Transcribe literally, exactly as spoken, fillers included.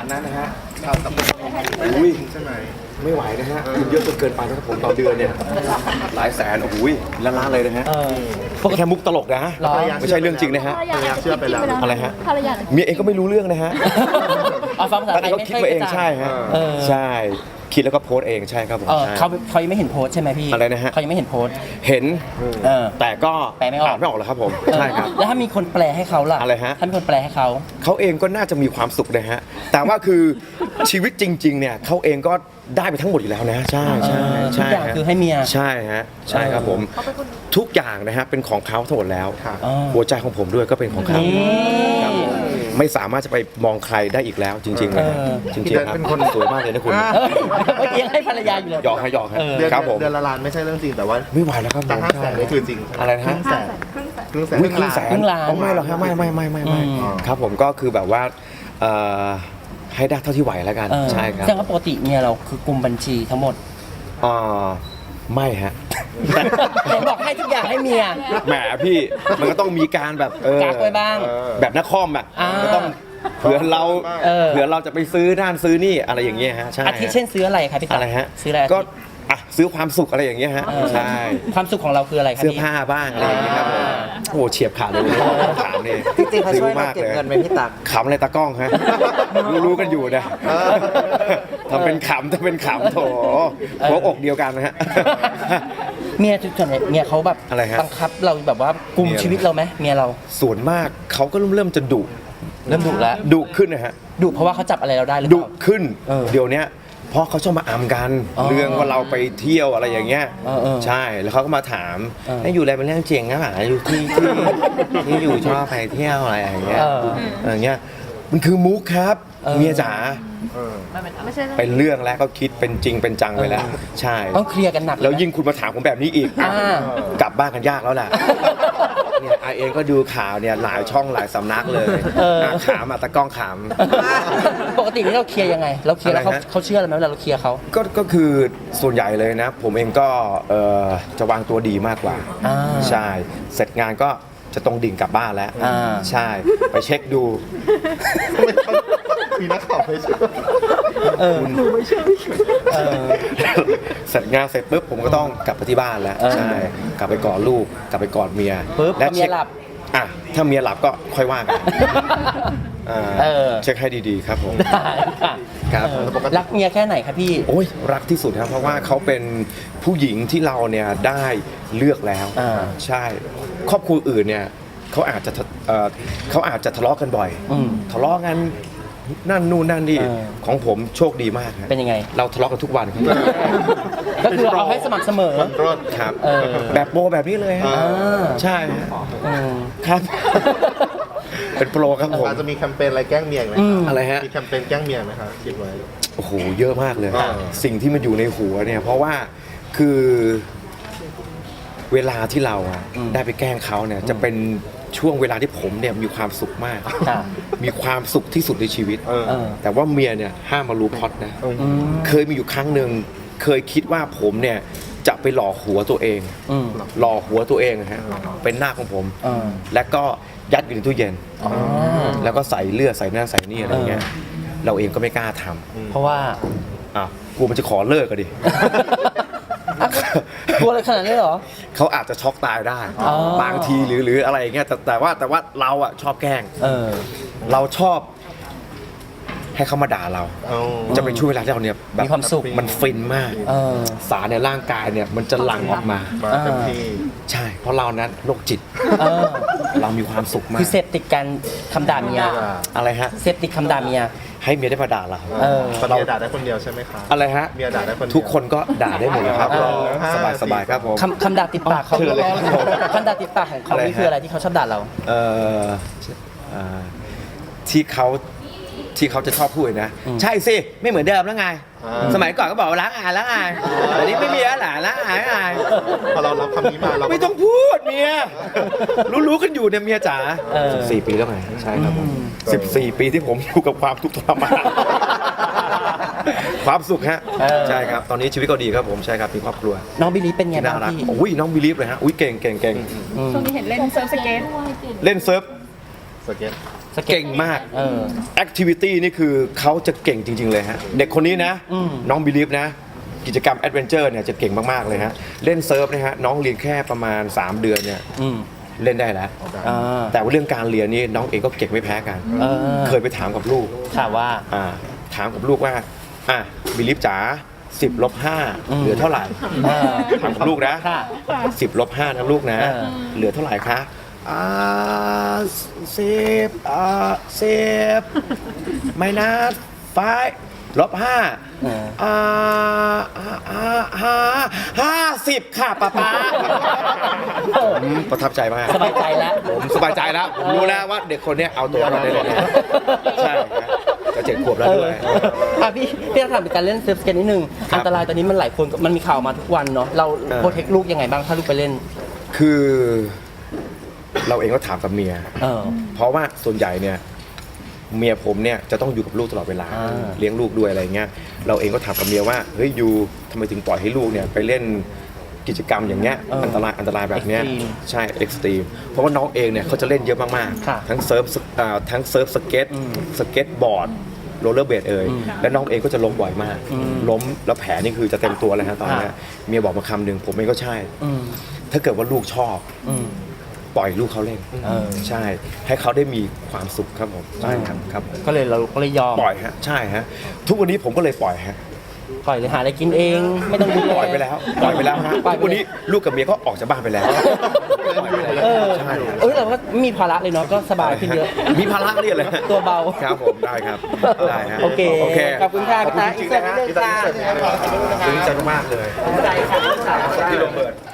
นั้นนะฮะข่าวกับเป็นอุ้ยใช่ไหมไม่ไหวนะฮะเยอะจนเกินไปนะครับผมต่อเดือนเนี่ยหลายแสนโอ้โหล้านล้านเลยนะฮะเออแค่มุกตลกนะฮะหรอไม่ใช่เรื่องจริงนะฮะภรรยาอาจจะคิดจริงไปแล้วอะไรฮะภรรยาเมียเองก็ไม่รู้เรื่องนะฮะเอาฟังภาษาแต่ไทยเขาไม่คิดค่อยมาเองกระจ่างใช่ฮะเออใช่คิดแล้วก็โพสต์เองใช่ครับผมเออใช่เขาเขายังไม่เห็นโพสต์ใช่ไหมพี่อะไรนะฮะเขายังไม่เห็นโพสต์เห็นเออแต่ก็แปลไม่ออกอ่านไม่ออกหรอกครับผมใช่ครับแล้วถ้ามีคนแปลให้เขาล่ะอะไรฮะถ้ามีคนแปลให้เขาเขาเองก็น่าจะมีความสุขนะฮะ แต่ว่าคือชีวิตจริงๆเนี่ยเขาเองก็ได้ไปทั้งหมดอยู่แล้วนะ ใช่ใช่เออทุกใช่อย่างฮะคือให้เมียใช่ฮะ ใช่ครับผม ทุกอย่างนะฮะเป็นของเขาทั้งหมดแล้วเออหัวใจของผมด้วยก็เป็นของเขานี่ครับผมไม่สามารถจะไปมองใครได้อีกแล้ว จริงๆนะฮะเออจริงๆครับสวยมากเลยนะคุณเออเมื่อกี้ยังให้ภรรยาอยู่เลยหยอกให้หยอกฮะเออเดือนครับผมเดือนละล้านไม่ใช่เรื่องจริงแต่ว่าไม่ไหวแล้วครับผแต่มห้าแสนนี่คือจริงอะไรนะครึ่ฮะงแสนครึ่งแสนอุ๊ยครึ่งแสนครึ่งล้านอ๋อไม่หรอกฮะไม่ไม่ไม่ไม่ไม่อืมครับผมก็คือแบบว่าเอ่อให้ได้เท่าที่ไหวแล้วกันเออใช่ครับแสดงว่าปกติเมียเราคือกลุ่มบัญชีทั้งหมดอ่าไม่ฮะเห็นบอกให้ทุกอย่างให้เมียแหมพี่มันก็ต้องมีการแบบเออกักไว้บ้างแบบนักคอมอ่ะอ่าก็ต้องเผื่อเราเออเผื่อเราจะไปซื้อด้านซื้อนี่อะไรอย่างเงี้ยฮะใช่อาทิเช่นซื้ออะไรครับพี่ตั๊กอะไรฮะซื้ออะไรก็อ่ะซื้อความสุขอะไรอย่างเงี้ยฮะเออใช่ความสุขของเราคืออะไรครับเสื้อพี่ผ้าบ้างอะไรอย่างเงี้ยครับผมอ่าโอ้โหเฉียบขาดเลยถามเนี่ยจริงๆเขาช่วยเราเก็บเงินไหมพี่ตั๊กขำอะไรตากล้องฮะรู้รู้กันอยู่นะทำเป็นขำทำเป็นขำโถหัวอกเดียวกันนะฮะเมียจุดส่วนใหญ่เมียเขาแบบอะไรฮะบังคับเราแบบว่ากุมเมียชีวิตเราไหมเมียเราส่วนมากเขาก็เริ่มเริ่มจะดุเริ่มดุแล้วดุขึ้นนะฮะดุเพราะว่าเขาจับอะไรเราได้หรือเปดุล่าขึ้นเออเดี๋ยวเนี้ยเพราะเขาชอบมาอำกันอ๋อเรื่องว่าเราไปเที่ยวอะไรอย่างเงี้ยเออเออใช่แล้วเขาก็มาถามเออให้อยู่อะไรเป็นเรื่องจริงนะหมาอยู่ที่ที่ที่อยู่ชอบไปเที่ยวอะไรอย่างเงี้ยเอออย่างเงี้ยมันคือมุกครับเออเมียจ๋าไม่ใช่เรื่องเป็นเรื่องแล้วก็คิดเป็นจริงเป็นจังไปแล้ว ใช่ต้องเคลียร์กันหนักเแล้วยิ่งคุณมาถามผมแบบนี้อีกอ่ากลับบ้านกันยากแล้วแหละเนี่ยไอเองก็ดูข่าวเนี่ยหลายช่องหลายสำนักเลยเอออ่ะขามอ่ะตะกล้องขามปกตินี่เราเคลียร์ยังไง เราเคลียร์แล้วเขาอะไรฮะเขาเชื่อเราไหมเวลาเราเคลียร์เขาก็ก็คือส่วนใหญ่เลยนะ ผมเองก็เอ่อจะวางตัวดีมากกว่าอ่าใช่ เสร็จงานก็จะตรงดิ่งกลับบ้านแล้วอ่าใช่ ไปเช็คดูมีนักข่าวไปช่วยเออเออเสร็จงานเสร็จปุ๊บผมก็ต้องกลับไปที่บ้านแล้วเออใช่ กลับไปกอดลูก กลับไปกอดเมียปุ๊บและพอเมียช็คหลับอ่ะถ้าเมียหลับก็ค่อยว่ากันอ่าเออเช็คให้ดีๆครับผมได้ค่ะครับเออรักเมียแค่ไหนครับพี่โอ้ยรักที่สุดครับเพราะว่าเขาเป็นผู้หญิงที่เราเนี่ยได้เลือกแล้วอ่าใช่ ครอบครัวอื่นเนี่ยเขาอาจจะทะเอ่อเขาอาจจะทะเลาะกันบ่อยอืมทะเลาะกันนั่นนู่นนั่นนี่เออของผมโชคดีมากครับเป็นยังไงเราทะเลาะกันทุกวันครับก็คือเอาให้สม่ำเสมอรถครับเออแบบโปรแบบนี้เลยฮะอ่าใช่ฮะอืมครับ เป็นโปรครับผมอาจจะมีแคมเปญอะไรแกล้งเมียไหมอืมอะไรฮะมีแคมเปญแกล้งเมียไหมครับคิดไว้โอ้โหเยอะมากเลยอ่าสิ่งที่มันอยู่ในหัวเนี่ยเพราะว่าคือเวลาที่เราอะอืมได้ไปแกล้งเขาเนี่ยจะเป็นช่วงเวลาที่ผมเนี่ยมีความสุขมากค่ะมีความสุขที่สุดในชีวิตเออเออแต่ว่าเมียเนี่ยห้ามมารู้พล็อตนะอืมอืมเคยมีอยู่ครั้งหนึ่งเคยคิดว่าผมเนี่ยจะไปหล่อหัวตัวเองอืมหล่อหัวตัวเองนะฮะเป็นหน้าของผมเออแล้วก็ยัดอยู่ในตู้เย็นอ๋อแล้วก็ใส่เลือดใส่หน้าใส่นี่อะไรเงี้ยเราเองก็ไม่กล้าทำเพราะว่าอ่ะกูมันจะขอเลิกกันดิอ่ะกลัวอะไรขนาดนี้เหรอเขาอาจจะช็อกตายได้อ๋อบางทีหรือหรืออะไรอย่างเงี้ยแต่แต่ว่าแต่ว่าเราอะชอบแกล้งเออเราชอบให้เขามาด่าเราเอาจะเป็นช่วงเวลาที่เราเนี่ยแบบมีความสุขมันฟินมากเออสารในร่างกายเนี่ยมันจะหลั่งออกมามาเต็มที่ใช่ เพราะเรานั้นโรคจิตเออเรามีความสุขมากคือเสพติดการคำด่าเมียอะไรฮะเสพติดคำด่าเมียให้เมียได้มาด่าเราเออตอนเมียด่าได้คนเดียวใช่ไหมคะอะไรฮะเมียด่าได้คนเดียวทุกคนก็ด่าได้หมดเลยครับเออสบายสบายครับผมคำคำด่าติดปากเขาเชิญเลยครับผมคำด่าติดปากของเขาอะไรนี่คือฮะอะไรที่เขาชอบด่าเราเอ่ออ่าที่เขาที่เขาจะชอบพูดนะอืมใช่สิ ไม่เหมือนเดิมแล้วไงอ่าสมัยก่อนก็บอกว่าล้างอายล้างอายแต่นี้ไม่มีแล้วหละล้างอายล้างอายพอเรารับคำนี้มาเราก็ไม่ต้องพูดเมียรู้รู้กันอยู่เนี่ยเมียจ๋าเออสิบสี่ปีแล้วไงใช่ครับผมสิบสี่ปีที่ผมอยู่กับความทุกข์ทรมานความสุขฮะเออใช่ครับตอนนี้ชีวิตก็ดีครับผมใช่ครับมีครอบครัวน้องบิลลี่เป็นไงที่บ้าน่าง รักพี่อุ้ยน้องบิลีฟเลยฮะอุ้ยเก่งเก่งเก่งอืมช่วงนี้เห็นเล่นเซิร์ฟสเก็ตเล่นเซิร์ฟสเก็ตสเก่งมากเออแอคทิวิตี้นี่คือเขาจะเก่งจริง ๆ เลยฮะ เด็กคนนี้นะอืมน้องบิลีฟนะ กิจกรรมแอดเวนเจอร์เนี่ยจะเก่งมาก ๆ เลยฮะ เล่นเซิร์ฟนะฮะ น้องเรียนแค่ประมาณ สาม เดือนเนี่ยอืมเล่นได้แล้วอ่าแต่ว่าเรื่องการเรียนนี่น้องเองก็เก่งไม่แพ้กันเออเคยไปถามกับลูกถามว่าอ่าถามกับลูกว่าอ่ะบิลีฟจ๋าสิบลบห้าอืมเหลือเท่าไหร่เออถามกับลูกนะค่ะสิบลบห้านะลูกนะเออเหลือเท่าไหร่คะอ่าสิบอ่าสิบไม่นะไฟลบห้าเอออ่าอ่าห้าห้าสิบค่ะป้าป๊าอืมประทับใจมากสบายใจแล้วผมสบายใจแล้วผมรู้แล้วว่าเด็กคนเนี้ยเอาตัวรอดได้เลยนะใช่ครับจะเจ็ดขวบแล้วด้วยเอออ่ะพี่พี่ถามเป็นการเล่นเซิร์ฟสเก็ตนิดนึงครับอันตรายตอนนี้มันหลายคนมันมีข่าวมาทุกวันเนาะเราเออโปรเทคลูกยังไงบ้างถ้าลูกไปเล่นคือเราเองก็ถามกับเมียเออเพราะว่าส่วนใหญ่เนี่ยเมียผมเนี่ยจะต้องอยู่กับลูกตลอดเวลาอ่าเลี้ยงลูกด้วยอะไรเงี้ยเราเองก็ถามกับเมียว่าเฮ้ยยูทำไมถึงปล่อยให้ลูกเนี่ยไปเล่นกิจกรรมอย่างเงี้ยเอออัอันตรายอันตรายแบบเนี้ย Extreme ใช่เอ็กซ์ตรีมเพราะว่าน้องเองเนี่ยเขาจะเล่นเยอะมากค่ะๆทั้งเซิร์ฟสอ่าทั้งเซิร์ฟสเก็ตอืมสเก็ตบอร์ดโรลเลอร์เบดเอ่ยอืมและน้องเองก็จะล้มบ่อยมากอืมล้มแล้วแผลนี่คือจะเต็มตัวเลยฮะตอนเนี้ยค่ะเมียบอกมาคำหนึ่งผมเองก็ใช่อืมถ้าเกิดว่าลูกชอบอืมปล่อยลูกเขาเล่นเออใช่ ให้เขาได้มีความสุขครับผมใช่ครับครับผมก็เลยเราก็เลยยอมปล่อยฮะใช่ฮะทุกวันนี้ผมก็เลยปล่อยฮะปล่อยเลยหาอะไรกินเอง ไม่ต้องดูแลปล่อยไปแล้วปล่อยไปแล้วฮะปล่อยทุกวันนี้ลูกกับเมียก็ออกจากบ้านไปแล้วปล่อยไปแล้วเออใช่ฮะเอ้ยเราก็ไม่มีภาระเลยเนาะก็สบายขึ้นเยอะมีภาระเรียกเลยฮะตัวเบาครับผมได้ครับได้ฮะโอเคโอเคขอบคุณค่ะขอบคุณจริงๆนะฮะพี่ตาซึ้งใจมากเลยใจค่ะที่โรเบิร์ต